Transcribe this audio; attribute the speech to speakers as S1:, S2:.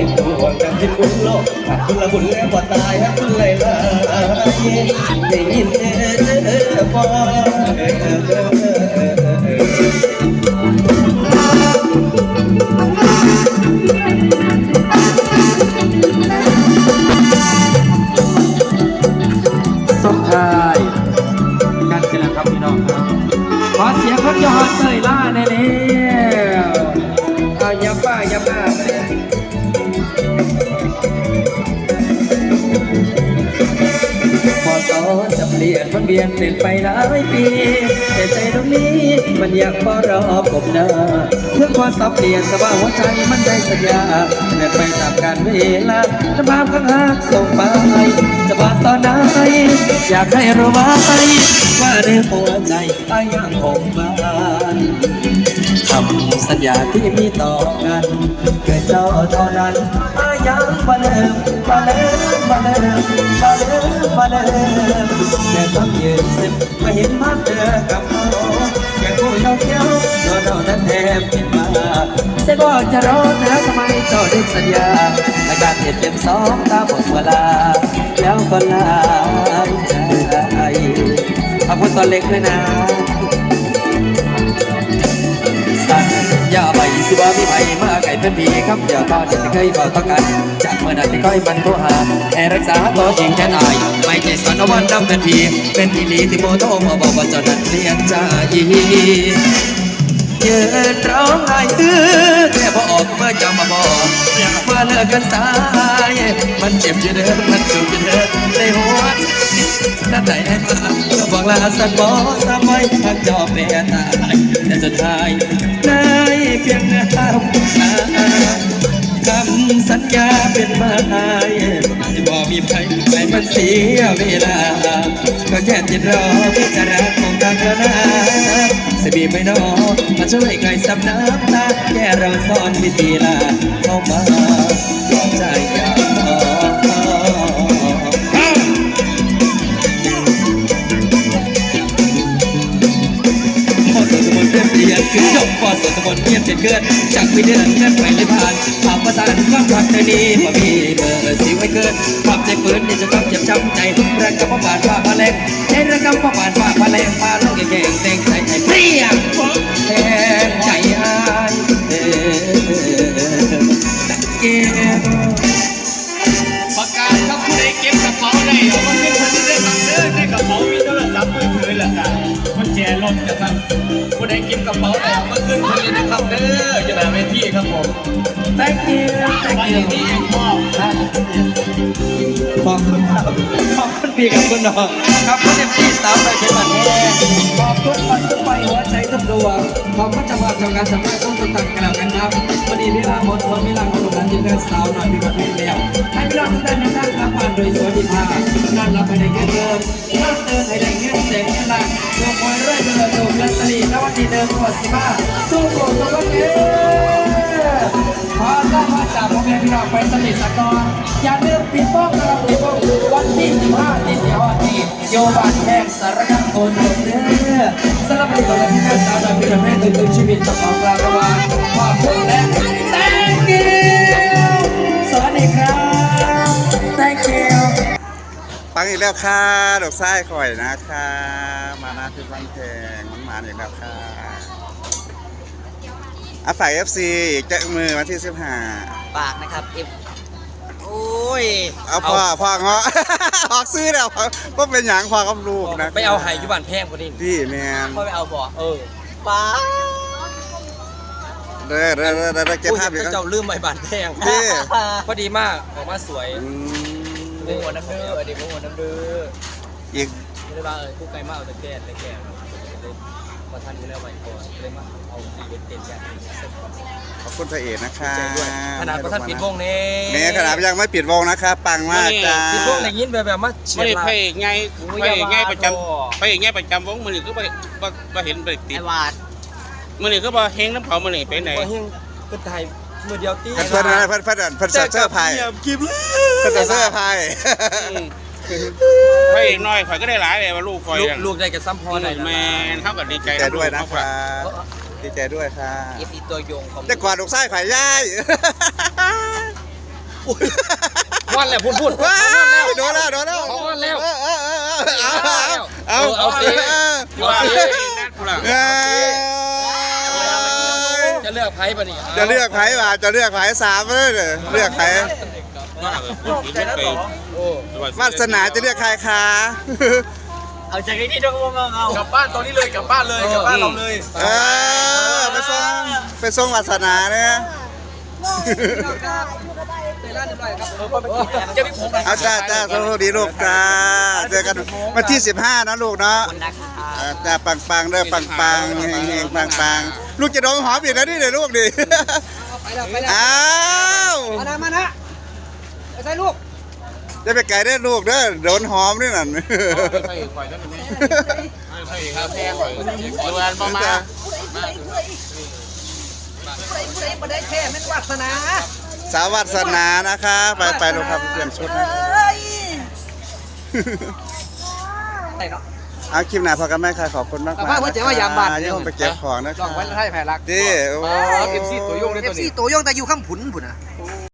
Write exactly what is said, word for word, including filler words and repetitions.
S1: ห่วงกันที่คุณโลกหักคุณละบุญแล้วบ่ตายหักคุณเลยละได้ยินเด้อบ่
S2: ส่งท้ายกันกันแล้วครับพี่น้องครับขอเสียงคนยอดเตยล่าแน่แล้วเอาอย่าป้าอย่าป้าพอตอนจะเปลี่ยนมันเบียนเปลี่ยนไปหลายปีแต่ใจตรงนี้มันอยากพอรอกบหน้าเพื่อความสับเปลี่ยนสบายหัวใจมันได้สัญญาเดินไปตามการเวลาน้ำพามข้างหักส่งไปจะบาดตอนไหนอยากให้รู้ไว้ว่าในหัวใจไอ้ยังคงบ้านคำสัญญาที่มีต่อกันเกิดเจ้าเท่านั้นไอ้ยังมาเดิมมาเดิมมาเดิมมาเดิมมาเดิมแต่ต้องยืนสิบมาเห็นมาเจอกับเขาแค่คู่เราเที่ยวเราเรานั้นแทบผิดมาเสียบอกจะรอแล้วทำไมเจ้าได้สัญญาและการเหตุเต็มสองตาหมดเวลาแล้วก็ลาใจขอบคุณตอนเล็กเลยนะสัญญาไปสิว่ามีไผ่มาไก่เป็นผีครับอย่าตอนที่เคยบอกต้องกันจากเมื่อนั้นที่ค่อยมันโทรหาให้รักษาตัวจริงแค่ไหนไม่ใช่สอนวันดำเป็นผีเป็นผีลีที่โมโทมาบอกว่าเจ้านั้นเรียนใจยืนร้องไห้ตื้อแค่พอออกเมื่อจะมาบอกเมื่อเลิกกันสายมันเจ็บอยู่เดิมมันจุกอยู่เดิมในหัวนั่นไหนแน่ตาบอกลาสักบอกสามไว้ทางจอบเปลี่ยนตายแต่สุดท้ายได้เพียงเนื้อผู้ชายคำสัญญาเป็นมาที่บอกมีใครไม่มันเสียเวลาก็แค่ติดรอพิจารณาคงตางกันนะสบีไม่นอมาช่วยไกลซับน้ำตาแค่เราสอนวิธีลาเข้ามาปลอบใจอย่าเปลี่ยนขึ้นยกพอสดสมบูรณ์เปลี่ยนเปลี่ยนเกินจากวิเดือนเงินไปเลยผ่านผ่านภาษาความรักในนี้มามีเบอร์สิไว้เกินความใจปืนนี่จะต้องเจ็บช้ำใจรักกับพ่อบาดฝ่าพาแรงใจรักกับพ่อบาดฝ่าพาแรงพาลูกแก่งแต่งใจใจเปรี้ยงแทงใจหายเออเก็บ
S3: ประกาศครับผู้ใดเก็บกระเป๋าได้เอามาขึ้นคนที่ได้บังเอิญในกระเป๋ามีโทรศัพท์มือถือแหละครับมันแจรถนะครับผู้ใดเก็บกระเป๋าได้เอามาขึ้นคนเลยนะครับเด้อจะมาเวทีครับผม
S2: thank you
S3: วันนี้เองมอบ
S2: ขอบคุณครับขอบคุณพี่กับคุณน้องครับคุณเอ็มซีสาวไปเป็นมันแท้ขอบคุณปันทุกไปหัวใจทุกดวงขอบคุณจังหวัดจังการสำนักต้องตัดกันแล้วกันครับวันนี้เวลาหมดวันเวลาของโรงงานที่เพื่อนสาวหน่อยพี่กับพี่แล้วให้พี่น้องทุกท่านนั่งรับผ่านโดยสวัสดิภาพนั่งรับให้ได้เงินเดิมนั่งเดินให้ได้เงินเสียงหลักดวงมวยเรื่อยเดินดวงลัตเตอรี่นวันที่เดิมก่อนสิบ้าสู้โกรธตัวเองขอต้อนรับจากพ่อแม่พี่น้องไปสนิทสักก่อนอย่าลืมปิดป้องนะครับปิดป้องวันที่สิบห้าที่เสียวันที่โยบานแห่งสารคามโกนเด้อสำหรับวันนี้ที่แม่สาวดำพิรเมฆตื่นชีวิตของเราระหว่างความสุขและ thank you สวัสดีครับ thank you
S4: ฟังอีกแล้วค่ะดอกไส้ข่อยนะคะมาหน้าที่ฟังเพลงมันมาอีกแล้วค่ะอ่ะฝ่าย เอฟ ซี อีกจะมือวันที่สิบห้า
S5: ปากนะครับเอฟโอ้ย
S4: เอาพ่อพ่อเงาะออกซื้อแล้วก็เป็นอย่างพ่อกับลูกนะ
S5: ไปเอาไห่ยุบันแพงกว่านี้
S4: พี่แมน
S5: พ่อไปเอาบ่เออป้า
S4: เด้อเด้อเด้อเด้อเก็บภาพอีก
S5: เจ้าลืมใบบานแพงพอดีมากออกมาสวยโอ้โหน้ำเดือดดิโอ้โหน้ำเดือด
S4: อีก
S5: ไม่ได้ว่าเออคู่ไกลมากแต่แก่แต่แก่พอทันอยู่แล้วไว้ก่อนเลยมาเอาดีเด็ดเด็ดอย่าง
S4: ขอบคุณพระเอกนะคะ
S5: ขนาดพอท่านปิดวงนี่
S4: แม่ขนาดยังไม่ปิดวงนะครับปังมากจ้า
S5: ปิดวงอะไรยินแบบแบบมา
S3: ไม่ได้พระเอกไงพระเอกไงประจำพระเอกไงประจำวงมือหนึ่งก็บ่บ่เห็นไปติดมือหนึ่งก็บ่เฮงน้ำเผามือหนึ่งไปไหน
S5: เฮงก็ถ่ายมือเดียวตี
S4: เพื่อนเพื่อนเพื่อนเพื่อนเสื้อผ้าเพื่อนเสื้อผ้า
S3: พระเอกน้อยข่อยก็ได้หลายเลยว่าลูกข่อย
S5: ลูกได้กับซ้ำพอหน่อย
S3: แม่เท่ากับดีใจ
S4: ด้วยนะครับดีใจด้วยค่ะ
S5: เอฟซีตัวยงของ
S4: จะกอดดอกไส้ข่อยย่าย
S5: วันแล้วพูดพูด
S4: ว้า
S5: วันแล้ว
S4: วโดนแล้วโดนแล้ว
S5: เขาวันแล้ว
S4: เออเออเออเอาเอา
S5: เอาสิ
S4: เออ
S5: เอาสิ
S4: เออ
S5: จะเลือกไพ่ปะนี่
S4: จะเลือกไผ่ป่ะจะเลือกไผ่สามเลยเด้อเลือกไผ่วาสนาจะเลือกใครคะ
S1: เอาใจกันที่ดวงวงเอา
S3: กลับบ้านตอนนี้เลยกลับบ้านเลยกลับบ้านเราเลย
S4: เออไปส่งไปส่งวาสนาเนี่ย
S5: จะมีผม
S4: เอาจ้าจ้าสวัสดีลูกจ้าเจอกันวันที่สิบห้านะลูกเนาะเออจ้าปังปังๆเด้อปังปังๆเฮงเฮงปังปังๆลูกจะโดนหอมอีกแล้วนี่เดี๋ยวลูกดิ
S2: ไปแล้วไปแล้ว
S4: อ้าว
S2: มานะมานะไปใส่ลูก
S4: จะไปไก่ได้อลูกเด้อโดนหอมนี่นั่น
S3: ใช่ข่อยนั่นนี่ใช่ครับแพ้ข่อยดูแลประมาณ
S2: ใส่ประเด็นแค่แม่นวาสนา
S4: สาววาสนานะคะไปไปลูกครับเปลี่ยนชุดนะ
S2: ใส่เนาะ
S4: เอาคลิปหน้าพอกันไหมค่ะขอบคุณมาก
S2: แต่ว่าเพิ่นจะว่ายามบ้าน
S4: ยังไปเก็บของนะ
S2: ลองไว้ให้แผลรัก
S4: ดิโอ้
S5: เอฟซีตัวยงด้วย
S2: เอ
S5: ตัว
S2: ฟซี
S5: นี้
S2: ตัวยงแต่อยู่ข้ามผุนผุนอ่ะ
S4: โ